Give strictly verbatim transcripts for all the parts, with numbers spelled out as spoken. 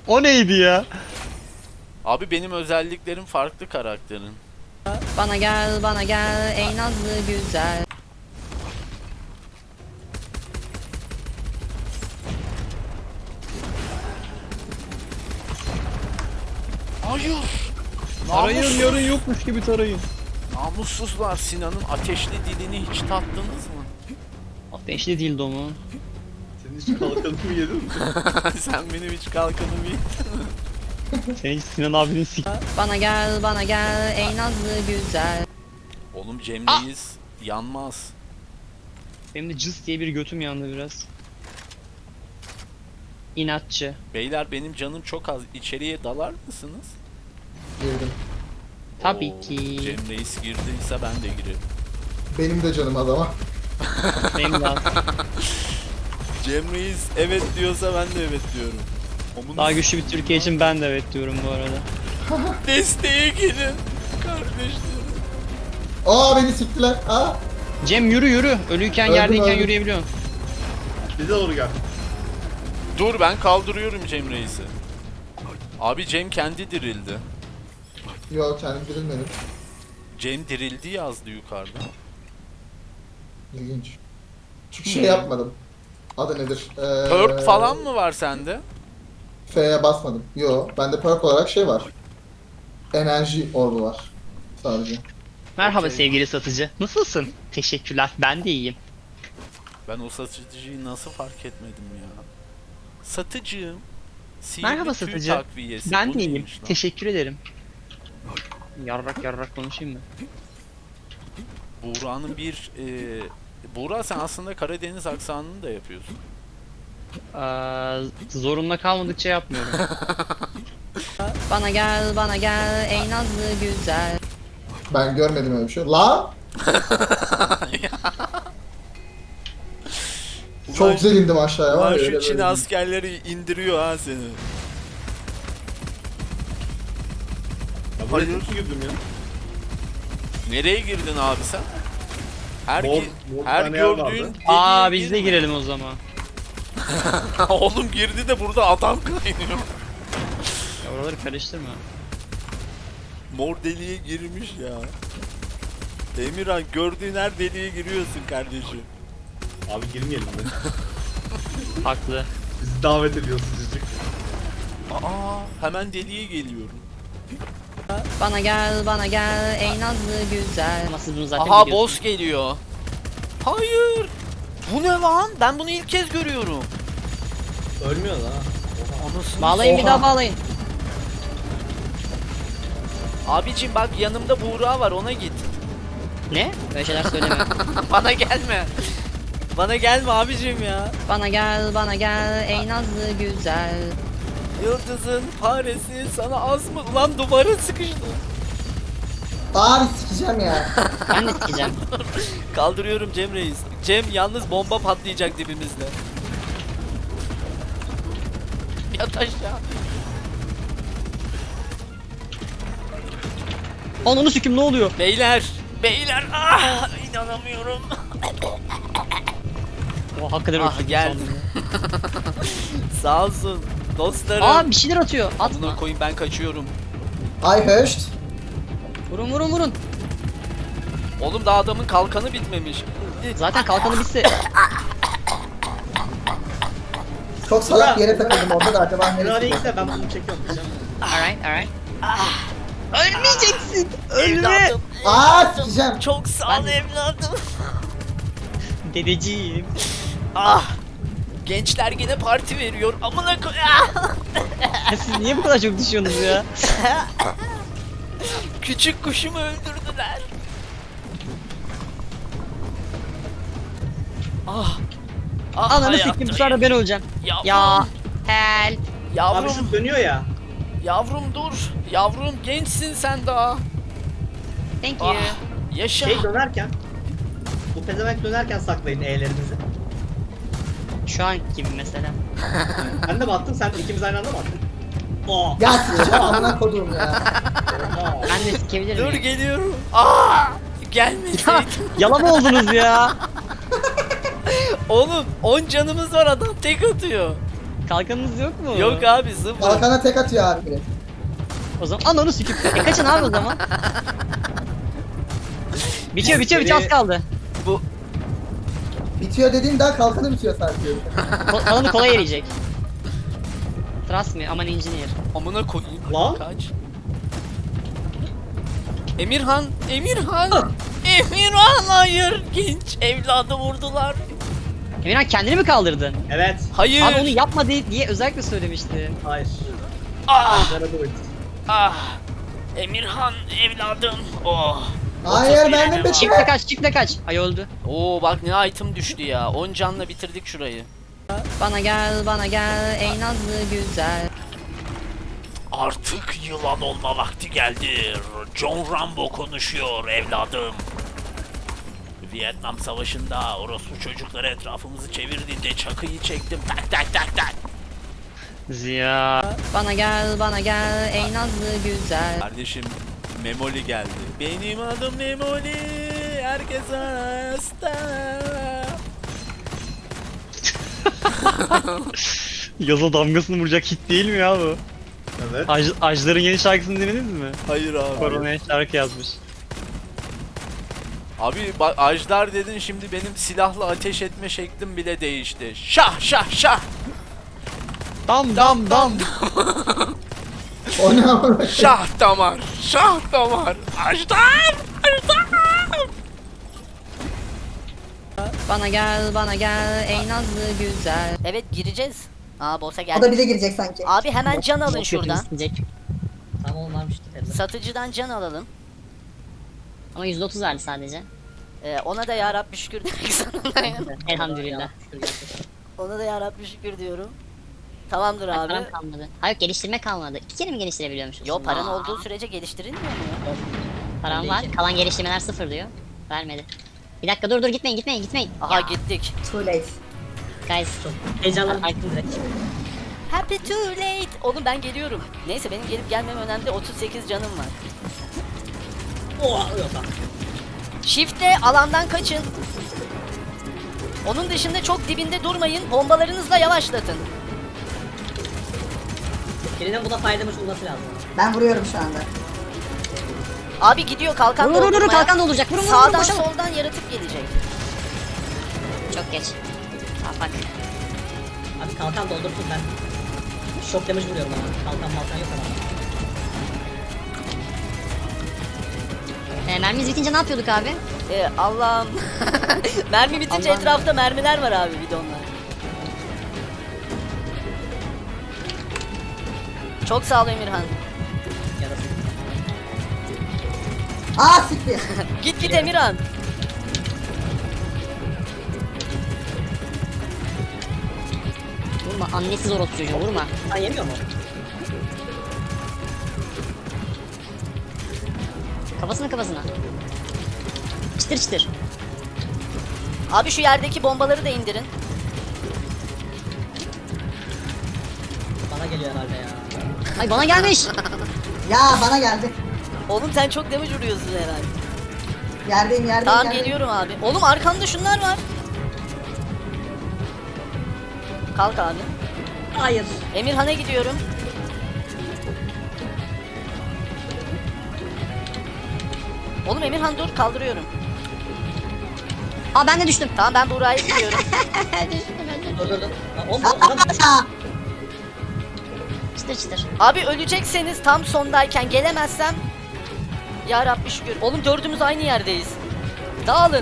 O neydi ya? Abi benim özelliklerim farklı karakterin. Bana gel, bana gel ey nazlı güzel. Hayır. Tarayın, Namussuz. yarın yokmuş gibi tarayın. Namussuzlar, Sinan'ın ateşli dilini hiç tattınız mı? Ateşli dildo mu? Senin hiç kalkanımı yedin mi? Sen benim hiç kalkanımı yedin. Senin Sinan abinin sik... Bana gel, bana gel ey nazlı güzel. Oğlum Cem Reis yanmaz. Benim de cız diye bir götüm yandı biraz. İnatçı. Beyler benim canım çok az. İçeriye dalar mısınız? Girdim. Tabii Oo, ki. Cem Reis girdiyse ben de girerim. Benim de canım adama. Benim de az. Cem Reis evet diyorsa ben de evet diyorum. Onun Daha güçlü bir Türkiye için ben de evet diyorum bu arada. desteğe gelin kardeşlerim. Aa beni siktiler. Aa. Cem yürü yürü. Ölüyken Öldüm, yerdeyken öldüm. yürüyebiliyorsun. Bize doğru gel. Dur ben kaldırıyorum Cem Reis'i. Abi Cem kendi dirildi. Yok kendim dirilmedim. Cem dirildi yazdı yukarıda. İlginç. Çünkü şey yapmadım. Adı nedir? Ee, Perk falan mı var sende? F'ye basmadım. Yo, bende perk olarak şey var. Enerji orbu var. Sadece. Merhaba Okey. sevgili satıcı. Nasılsın? Teşekkürler. Ben de iyiyim. Ben o satıcıyı nasıl fark etmedim ya? Satıcığım. Sihirli Merhaba tüy satıcı. takviyesi. Ben Bu de iyiyim. neymiş lan? Teşekkür ederim. Yarrak yarrak konuşayım mı? Buğra'nın bir... E... Buğra sen aslında Karadeniz aksanını da yapıyorsun. Aa, zorunda kalmadıkça yapmıyorum. Bana gel, bana gel ey nazlı güzel. Ben görmedim öyle bir şey. La! Çok güzel indim aşağıya. var Ulan ya, şu öyle Çin böyle. askerleri indiriyor ha seni. Ya buraya Hayır. çok girdim ya. Nereye girdin abi sen? Her, Mor- ki- mor her tane yer vardı. gördüğün deliğe Aa biz de girme. girelim o zaman. Oğlum girdi de burada adam kaynıyor. Ya oraları karıştırma. Mor deliğe girmiş ya. Emirhan gördüğün her deliğe giriyorsun kardeşim. Abi girmeyelim de. Haklı. Bizi davet ediyorsun cicik. Aa hemen deliğe geliyorum. Bana gel, bana gel ey nazlı güzel. Ama siz bunu zaten Aha biliyorsunuz. boss geliyor. Hayır. Bu ne lan? Ben bunu ilk kez görüyorum. Ölmüyor lan. Anasını. Bağlayın bir Oha. daha bağlayın. Abicim bak yanımda Buğra var ona git. Ne? Böyle şeyler söyleme. Bana gelme. Bana gelme abicim ya. Bana gel, bana gel ey nazlı güzel. Yıldızın faresi sana az mı? Ulan duvara sıkıştı. Bari sikeceğim ya. Ben de sikeceğim. Kaldırıyorum Cem Reis. Cem yalnız bomba patlayacak dibimizde. Yat aşağı. Ananı sikim ne oluyor? Beyler. Beyler. Ah, inanamıyorum. O hakikaten Ah, öldürdüm geldi. sandım. Sağ olsun. Dostlarım. Aa bir şeyler atıyor. Bunu Atma. koyun ben kaçıyorum. I hushed. Vurun vurun vurun. Oğlum daha adamın kalkanı bitmemiş. Zaten kalkanı bitse. Çok salak bir yere takıldım orada da acaba Nereye neresi? gitse ben bunu çekiyorum diyeceğim. Alright alright. Ölmeyeceksin. Ölme. Evladım. Aa evladım. sikeceğim. Çok sağ ol evladım. Dedeciğim. Ah. Gençler yine parti veriyor. Amına koy. Ah! Ya siz niye bu kadar çok düşüyorsunuz ya? Küçük kuşumu öldürdüler. Ah. Ah, Ananı hayatım. siktim bu sefer de ben öleceğim. Yavrum. Ya. Help. Abi Yavrum. şu dönüyor ya. Yavrum dur. Yavrum gençsin sen daha. Thank you. Ah. Yaşa. Şey dönerken. Bu pezevenk dönerken saklayın E'lerinizi. Şu an gibi mesela. Ben de mi attım sen ikimiz aynı anda mı attık? Oh. Ya sikeceğim amına kodum ya. Ben de sikebilir Dur miyim? geliyorum. Ah. Gelmeseydin. Yalan oldunuz ya. Oğlum on canımız var adam tek atıyor. Kalkanınız yok mu? Yok abi sıfır. Kalkana tek atıyor abi biri. O zaman ananı sikip. E kaçın abi o zaman. bitiyor bitiyor bitiyor az kaldı. Bu Bitiyor dediğin daha kalkanı bitiyor sanki. Ko kalanı kolay eriyecek. Trust me, aman engineer. amına koyayım. Lan. Kaç. Emirhan, Emirhan. Emirhan hayır. Genç evladı vurdular. Emirhan kendini mi kaldırdın? Evet. Hayır. Abi onu yapma diye, diye özellikle söylemişti. Hayır. Ah, Canı bu. ah. Emirhan evladım. Oh. Hayır ben de Otuz bir Çiftle kaç, çiftle kaç. Ay öldü. Oo bak ne item düştü ya. on canla bitirdik şurayı. Bana gel, bana gel, ey nazlı güzel. Artık yılan olma vakti geldi. John Rambo konuşuyor evladım. Vietnam Savaşı'nda orospu çocukları etrafımızı çevirdiğinde çakıyı çektim. Tak tak tak tak. Ziya. Bana gel, bana gel, ey nazlı güzel. Kardeşim Memoli geldi. Benim adım Memoli. Herkes hasta. Yaza damgasını vuracak hit değil mi ya bu? Evet. Aj Ajlar'ın yeni şarkısını dinlediniz mi? Hayır abi. Korona'ya şarkı yazmış. Abi bak Ajdar dedin şimdi benim silahla ateş etme şeklim bile değişti. Şah şah şah. Dam dam dam. O ne ama? Şah damar. Şah damar. Ajdar. Ajdar. Bana gel, bana gel, ey nazlı güzel. Evet gireceğiz. Aa boss'a O da geldik. bize girecek sanki. Abi hemen can alın Bok şuradan. isteyecek. Tamam varmış tutarım. Satıcıdan can alalım. Ama yüzde otuz verdi sadece. Ee, ona da ya Rabbi şükür demek zorundayım. Elhamdülillah. Ona da ya Rabbi şükür diyorum. Tamamdır abi. Param kalmadı. Hayır geliştirme kalmadı. İki kere mi geliştirebiliyormuşuz? Yo paran olduğu sürece geliştirilmiyor mu ya? Param var. Kalan geliştirmeler sıfır diyor. Vermedi. Bir dakika dur dur gitmeyin gitmeyin gitmeyin. Aha gittik. Too late. Guys. Heyecanlandım direkt. Happy too late. Oğlum ben geliyorum. Neyse benim gelip gelmem önemli. otuz sekiz canım var. Oha yok lan. Shift'le alandan kaçın. Onun dışında çok dibinde durmayın. Bombalarınızla yavaşlatın. Birinin buna faydamış olması lazım. Ben vuruyorum şu anda. Abi gidiyor kalkan Vur vur vur doldurmaya. kalkan dolduracak. Vurun vurun vurun Sağdan koşalım. soldan yaratık gelecek. Çok geç. Ha bak. Abi kalkan doldursun ben. Şok damage vuruyorum ama. Kalkan malkan yok ama. E, mermimiz bitince ne yapıyorduk abi? Ee, Allah'ım. Mermi bitince Allah'ım. etrafta mermiler var abi bidonlar. Çok sağ ol Emirhan. Yarası. Aa siktir. Git git Emirhan. Vurma annesiz orospu çocuğu vurma. Sen yemiyor mu? Kafasına kafasına. Çıtır çıtır. Abi şu yerdeki bombaları da indirin. Bana geliyor herhalde ya. Ay bana gelmiş. Ya bana geldi. Oğlum sen çok damage vuruyorsun herhalde. Yerdeyim yerdeyim. Tamam yerdeyim. geliyorum abi. Oğlum arkanda şunlar var. Kalk abi. Hayır. Emirhan'a gidiyorum. Oğlum Emirhan dur kaldırıyorum. Aa ben de düştüm. Tamam ben Buğra'ya gidiyorum. Dur dur dur. Lan oğlum bu adam Aa, Çıtır çıtır. Abi ölecekseniz tam sondayken gelemezsem ya Rabbi şükür. Oğlum dördümüz aynı yerdeyiz. Dağılın.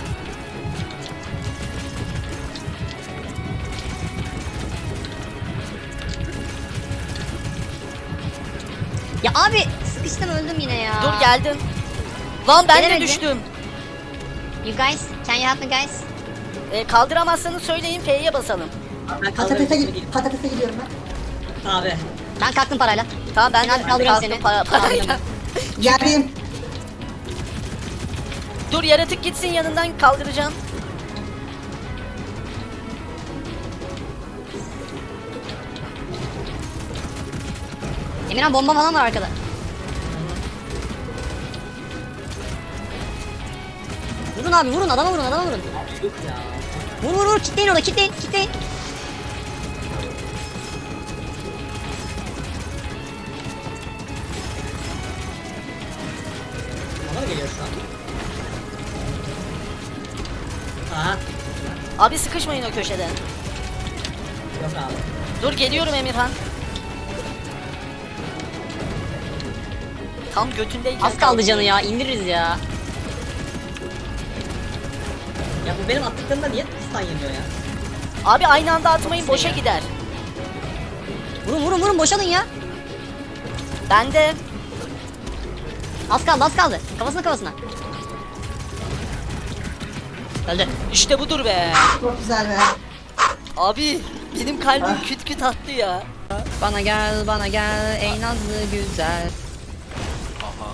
Ya abi sıkıştım öldüm yine ya. Dur geldim. Lan ben de Gelemedi. düştüm. You guys, can you help me guys? Ee, kaldıramazsanız söyleyin F'ye basalım. ben patatese, kaldırıyorum. gid patatese gidiyorum ben. Abi. Ben kalktım parayla. Tamam ben Ben de kaldırıyorum kalktım seni. para, parayla. Kaldırıyorum. Yerdeyim. Dur yaratık gitsin yanından kaldıracağım. Emirhan bomba falan var arkada. Vurun abi vurun adama vurun adama vurun. Yok ya. Vur vur vur kitleyin orada kitleyin kitleyin. Aha. Abi sıkışmayın o köşeden. Yok abi. Dur geliyorum Emirhan. Tam götündeyken Az kaldı canı ya indiririz ya. Ya bu benim attıklarımda niye stun yemiyor ya? Abi aynı anda atmayın boşa gider. Vurun vurun vurun boşalın ya. Ben de Az kaldı az kaldı. Kafasına kafasına. Öldü. işte budur be. Çok güzel be. Abi benim kalbim küt küt attı ya. Bana gel bana gel ey nazlı güzel. Aha.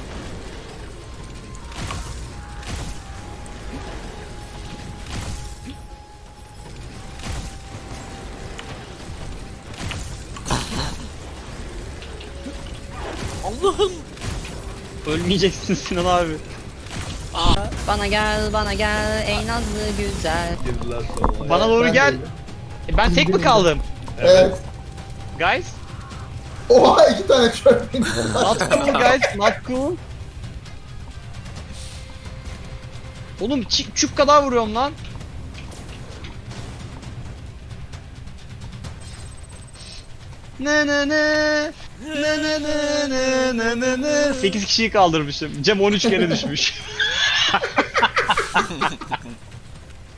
Allah'ım. Ölmeyeceksin Sinan abi. Bana gel bana gel ey nazlı güzel. Bana doğru Ben gel. de- E, Ben tek mi kaldım? Evet. Guys? Oha iki tane çöp. Not cool guys, not cool. Oğlum çi- çük kadar vuruyorum lan. Ne ne ne ne ne ne ne ne ne ne sekiz kişiyi kaldırmışım. Cem on üç kere düşmüş.